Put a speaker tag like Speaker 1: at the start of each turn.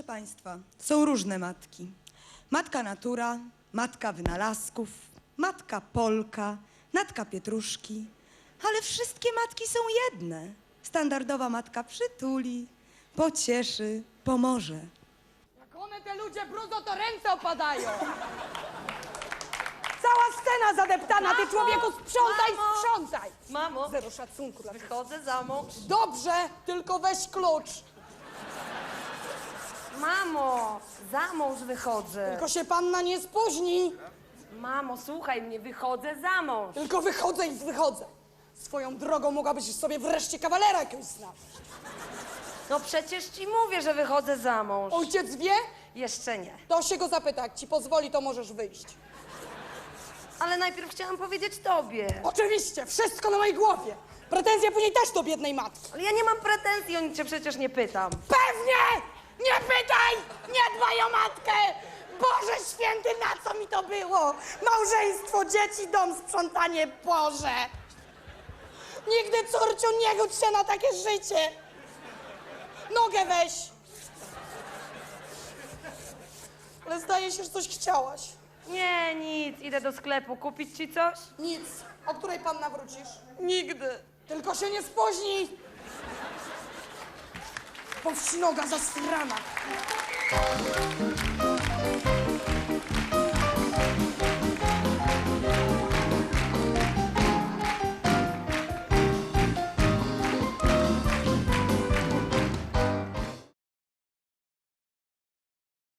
Speaker 1: Państwa, są różne matki. Matka natura, matka wynalazków, matka Polka, matka Pietruszki. Ale wszystkie matki są jedne. Standardowa matka przytuli, pocieszy, pomoże.
Speaker 2: Jak one te ludzie brudzą, to ręce opadają. Cała scena zadeptana, ty człowieku sprzątaj, sprzątaj.
Speaker 3: Mamo,
Speaker 2: Zero szacunku dla ciebie.
Speaker 3: wychodzę za mąż.
Speaker 2: Dobrze, tylko weź klucz.
Speaker 3: Mamo, za mąż wychodzę.
Speaker 2: Tylko się panna nie spóźni.
Speaker 3: Mamo, słuchaj mnie, wychodzę za mąż.
Speaker 2: Tylko wychodzę i wychodzę. Swoją drogą mogłabyś sobie wreszcie kawalera jakiegoś znaleźć.
Speaker 3: No przecież ci mówię, że wychodzę za mąż.
Speaker 2: Ojciec wie?
Speaker 3: Jeszcze nie.
Speaker 2: To się go zapyta, jak ci pozwoli, to możesz wyjść.
Speaker 3: Ale najpierw chciałam powiedzieć tobie.
Speaker 2: Oczywiście, wszystko na mojej głowie. Pretensje później też do biednej matki.
Speaker 3: Ale ja nie mam pretensji, o nic cię przecież nie pytam.
Speaker 2: Pewnie! Nie pytaj! Nie dbaj o matkę! Boże święty, na co mi to było? Małżeństwo, dzieci, dom, sprzątanie, Boże! Nigdy, córciu, nie gódź się na takie życie! Nogę weź! Ale zdaje się, że coś chciałaś.
Speaker 3: Nie, nic, idę do sklepu. Kupić ci coś?
Speaker 2: Nic. O której panna wrócisz?
Speaker 3: Nigdy.
Speaker 2: Tylko się nie spóźnij! Powścinoga zasrana!